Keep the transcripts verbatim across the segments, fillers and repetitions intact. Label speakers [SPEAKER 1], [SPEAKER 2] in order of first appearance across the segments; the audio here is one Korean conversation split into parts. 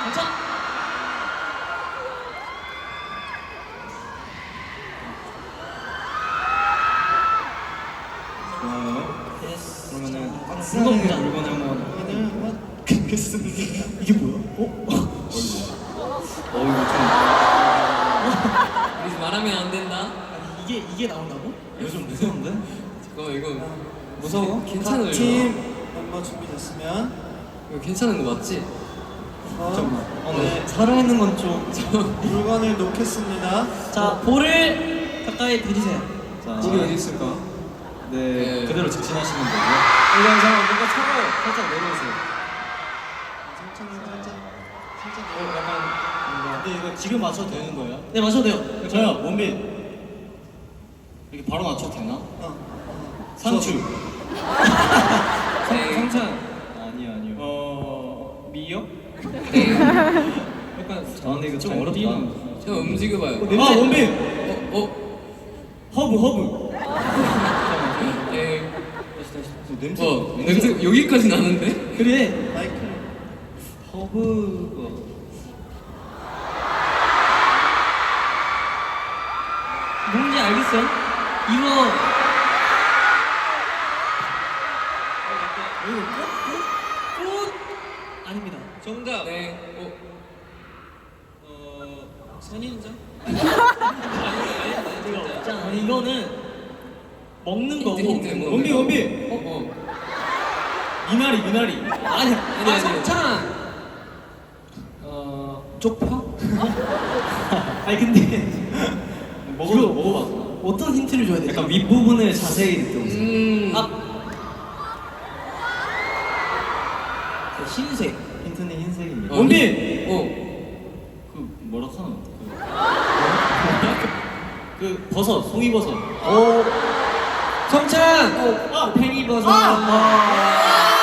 [SPEAKER 1] 가자.
[SPEAKER 2] 좋아요. 그러면은
[SPEAKER 1] 물건 보자.
[SPEAKER 2] 물건을 한번
[SPEAKER 1] 얘는 그겠습니다. 이게 뭐야? 어?
[SPEAKER 2] 어 이거
[SPEAKER 3] 우리 말하면 안 된다.
[SPEAKER 1] 아니 이게 이게 나온다고?
[SPEAKER 2] 좀 이거 좀 무서운데?
[SPEAKER 3] 잠깐만 이거
[SPEAKER 2] 무서워?
[SPEAKER 3] 괜찮아요?
[SPEAKER 1] 각 팀 멤버 준비됐으면
[SPEAKER 3] 이거 괜찮은 거 맞지?
[SPEAKER 2] 잠깐만. 어,
[SPEAKER 1] 네.
[SPEAKER 2] 네. 살아있는 건 좀.
[SPEAKER 1] 물건을 놓겠습니다.
[SPEAKER 4] 자, 볼을 가까이 대주세요.
[SPEAKER 2] 자,
[SPEAKER 3] 볼이 어디 있을까?
[SPEAKER 2] 네,
[SPEAKER 3] 네.
[SPEAKER 2] 그대로 직진하시면 되고요. 이런 상황 뭔가 차가워. 살짝 내려오세요.
[SPEAKER 1] 천천히 살짝 살짝
[SPEAKER 2] 어, 약간 뭔가.
[SPEAKER 1] 근데 이거 지금 맞춰도 되는 거예요?
[SPEAKER 4] 네, 마셔도 돼요.
[SPEAKER 2] 저요, 원빈. 이렇게 바로 맞춰도 되나?
[SPEAKER 1] 어.
[SPEAKER 2] 상추.
[SPEAKER 3] 네.
[SPEAKER 2] 상찬. 아니요, 아니요. 어, 미역?
[SPEAKER 3] 네.
[SPEAKER 2] 약간. 아, 근데 이거 좀 어렵다.
[SPEAKER 3] 저 움직여봐요.
[SPEAKER 2] 아, 원빈.
[SPEAKER 3] 어? 어?
[SPEAKER 2] 허브, 허브.
[SPEAKER 3] 네.
[SPEAKER 2] 다시, 다시. 냄새.
[SPEAKER 3] 어, 냄새 여기까지 나는데?
[SPEAKER 4] 그래.
[SPEAKER 1] 마이크를
[SPEAKER 2] 허브가.
[SPEAKER 4] 뭔지 알겠어요? 이거
[SPEAKER 1] 이거 꽃?
[SPEAKER 4] 꽃 아닙니다.
[SPEAKER 3] 정답. 네. 어?
[SPEAKER 1] 어 선인장?
[SPEAKER 4] 아니, 이거는 먹는 거고.
[SPEAKER 3] 힌트, 힌트, 뭐.
[SPEAKER 2] 원빈, 원빈.
[SPEAKER 3] 어? 어?
[SPEAKER 2] 미나리, 미나리.
[SPEAKER 4] 아니,
[SPEAKER 3] 아니, 아니.
[SPEAKER 4] 성찬.
[SPEAKER 2] 어,
[SPEAKER 4] 쪽파? 아니 근데
[SPEAKER 2] 먹어, 먹어봐.
[SPEAKER 4] 어떤 힌트를 줘야 되지?
[SPEAKER 2] 약간 윗부분을 자세히 느껴보세요.
[SPEAKER 3] 음.
[SPEAKER 4] 아, 그 흰색.
[SPEAKER 2] 힌트는 흰색입니다.
[SPEAKER 3] 어,
[SPEAKER 2] 원빈!
[SPEAKER 3] 어.
[SPEAKER 2] 그, 뭐라 하나? 그, 그 버섯, 송이버섯.
[SPEAKER 4] 오.
[SPEAKER 3] 성찬!
[SPEAKER 4] 아, 팽이버섯.
[SPEAKER 1] 아!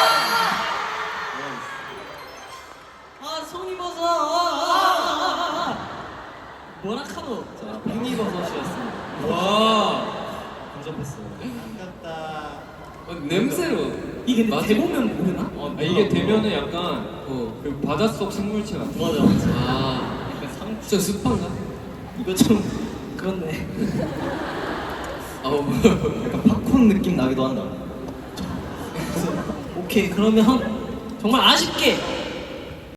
[SPEAKER 4] 아, 송이버섯. 아, 아, 아, 아. 뭐라 카노?
[SPEAKER 2] 자, 팽이버섯이었습니다.
[SPEAKER 3] 와.
[SPEAKER 2] 근접했어요.
[SPEAKER 1] 아깝다.
[SPEAKER 3] 어, 냄새로.
[SPEAKER 4] 이게 근데
[SPEAKER 3] 맞아?
[SPEAKER 4] 대보면 모르나?
[SPEAKER 2] 어,
[SPEAKER 5] 아, 이게 되면은 약간
[SPEAKER 3] 어.
[SPEAKER 5] 그 바닷속 생물체 같아.
[SPEAKER 2] 맞아, 맞아.
[SPEAKER 3] 아.
[SPEAKER 2] 약간 상,
[SPEAKER 3] 저 습한가?
[SPEAKER 4] 이거 좀 그렇네.
[SPEAKER 3] 아우.
[SPEAKER 2] 약간 팝콘 느낌 나기도 한다.
[SPEAKER 4] 오케이, 그러면 정말 아쉽게